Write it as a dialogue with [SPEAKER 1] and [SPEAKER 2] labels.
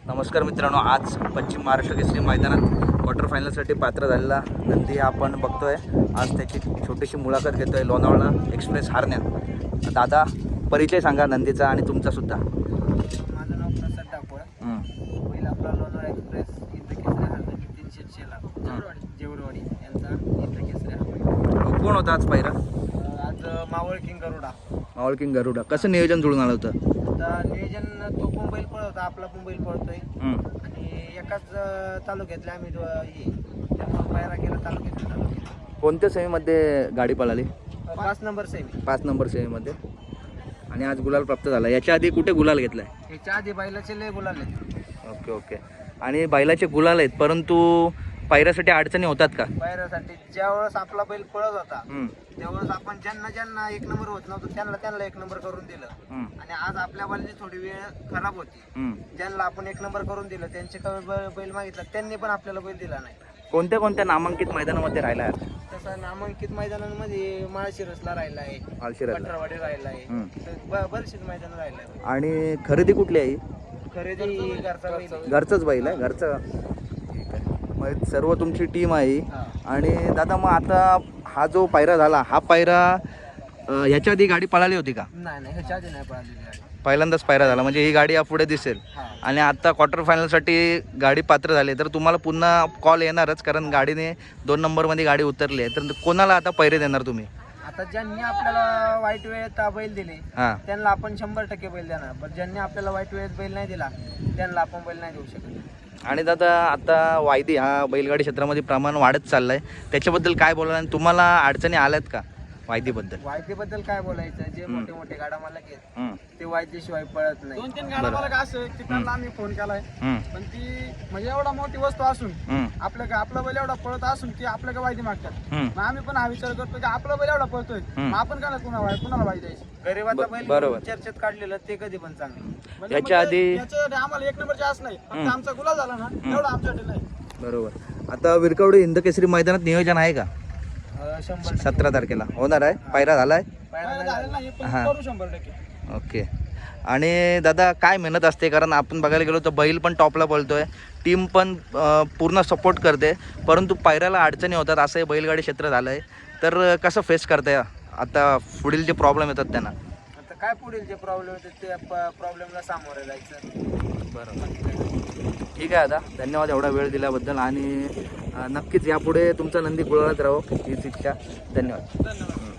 [SPEAKER 1] नमस्कार मित्रांनो, आज पश्चिम महाराष्ट्र केसरी मैदानात क्वार्टर फायनलसाठी पात्र झालेला नंदी आपण बघतोय। आज त्याची छोटीशी मुलाखत घेतोय लोणावळा एक्सप्रेस हारण्यात। दादा, परिचय सांगा नंदीचा आणि तुमचा सुद्धा।
[SPEAKER 2] माझं नाव प्रसाद टाकोळ। पहिला आपला लोणावळा एक्सप्रेस इंद्रकेसरी हारण्यात 300 ला जेवरवाडी यांचा इंद्रकेसरी हारण्यात।
[SPEAKER 1] कोण होता आज पहिला?
[SPEAKER 2] आज मावळ किंग गरुडा।
[SPEAKER 1] मावळ किंग गरुडा कसं नियोजन जुळून आलं होतं?
[SPEAKER 2] आता नियोजन तो पण बैल पळवता, आपला पण बैल पळतोय आणि एकाच तालुक्यातले आम्ही त्यामुळे पायरा केला तालुक्यात।
[SPEAKER 1] कोणत्या सेमीमध्ये गाडी पळाली?
[SPEAKER 2] 5 नंबर सेमी।
[SPEAKER 1] 5 नंबर सेमीमध्ये। आणि आज गुलाल प्राप्त झाला। याच्या आधी कुठे गुलाल घेतलाय?
[SPEAKER 2] याच्या आधी बैलाचे लय गुलाल आहेत।
[SPEAKER 1] Okay okay. आणि बैलाचे गुलाल आहेत, परंतु पायऱ्यासाठी अडचणी होतात का?
[SPEAKER 2] पायऱ्यासाठी ज्यावेळेस आपला बैल पळत होता त्यावेळेस आपण ज्यांना एक नंबर होत नव्हतं त्यांना एक नंबर करून दिलं। आणि आज आपल्या बैलाची थोडी वेळ खराब होती, ज्यांना आपण एक नंबर करून दिलं त्यांचे बैल मागितला, त्यांनी पण आपल्याला बैल दिला नाही।
[SPEAKER 1] कोणत्या कोणत्या नामांकित मैदानामध्ये राहिला आहे?
[SPEAKER 2] तसं नामांकित मैदानांमध्ये माळशिरसला राहिला आहे,
[SPEAKER 1] माळशिरसला,
[SPEAKER 2] कटरावाडी राहिला आहे, बरेचसे मैदान राहिला आहे।
[SPEAKER 1] आणि खरेदी कुठली आहे?
[SPEAKER 2] खरेदी
[SPEAKER 1] घरचंच बैल आहे, घरचं। ठीक आहे, मग सर्व तुमची टीम आहे। आणि दादा, मग आता हा जो पायरा झाला, हा पायरा ह्याच्या आधी गाडी पळाली होती का?
[SPEAKER 2] नाही, ह्याच्या आधी नाही पळाली गाडी,
[SPEAKER 1] पहिल्यांदाच पायरा झाला, म्हणजे ही गाडी यापुढे दिसेल। आणि आता क्वार्टर फायनलसाठी गाडी पात्र झाली तर तुम्हाला पुन्हा कॉल येणारच, कारण गाडीने 2 नंबरमध्ये गाडी उतरली आहे। तर कोणाला आता पैरे देणार तुम्ही?
[SPEAKER 2] आता ज्यांनी आपल्याला वाईट वेळेत बैल दिले त्यांना आपण 100% बैल देणार, पण ज्यांनी आपल्याला वाईट वेळेत बैल नाही दिला त्यांना आपण बैल नाही देऊ शकत।
[SPEAKER 1] आणि दादा, आता वायदी हा बैलगाडी क्षेत्रामध्ये प्रमाण वाढत चाललाय, त्याच्याबद्दल काय बोलाल? आणि तुम्हाला अडचणी आल्यात का वायदीबद्दल?
[SPEAKER 2] वायदीबद्दल काय बोलायचं, जे मोठे मोठे गाडा मालक आहेत ते वायदीशिवाय पळत नाही। 2-3 गाडा मालक असे की त्यांना आम्ही फोन केलाय, पण ती म्हणजे एवढा मोठी वस्तू असून आपला बैल एवढा पळत असून की आपल्याला वायदी मागतात। मग आम्ही पण हा विचार करतो की आपला बैल एवढा पळतोय, मग आपण काय कुणाला वायदी द्यायची? गरीबाचा बैल चर्चेत काढलेलं ते कधी पण चांगलं।
[SPEAKER 1] याच्या आधी
[SPEAKER 2] आम्हाला 1 नंबरची आस नाही, फक्त आमचा गुलाल झाला ना एवढा आमच्यासाठी नाही।
[SPEAKER 1] बरोबर। आता विरकवडी हिंदकेसरी मैदानात नियोजन आहे का? 17 तारखेला होणार आहे, पायरा झालाय? हां,
[SPEAKER 2] 100%।
[SPEAKER 1] ओके। आणि दादा, काय मेहनत असते? कारण आपण बघायला गेलो तर बैल पण टॉपला बोलतोय, टीम पण पूर्ण सपोर्ट करते, परंतु पायऱ्याला अडचणी होतात, असं हे बैलगाडी क्षेत्र झालं आहे। तर कसं फेस करताय आता पुढील जे प्रॉब्लेम येतात त्यांना?
[SPEAKER 2] आता काय पुढील जे प्रॉब्लेम येतात ते प्रॉब्लेमला सामोरे जायचं।
[SPEAKER 1] बरोबर, ठीक आहे दादा, धन्यवाद एवढा वेळ दिल्याबद्दल। आणि नक्कीच यापुढे तुमचा नंदी गुलालात राहो हीच इच्छा। धन्यवाद।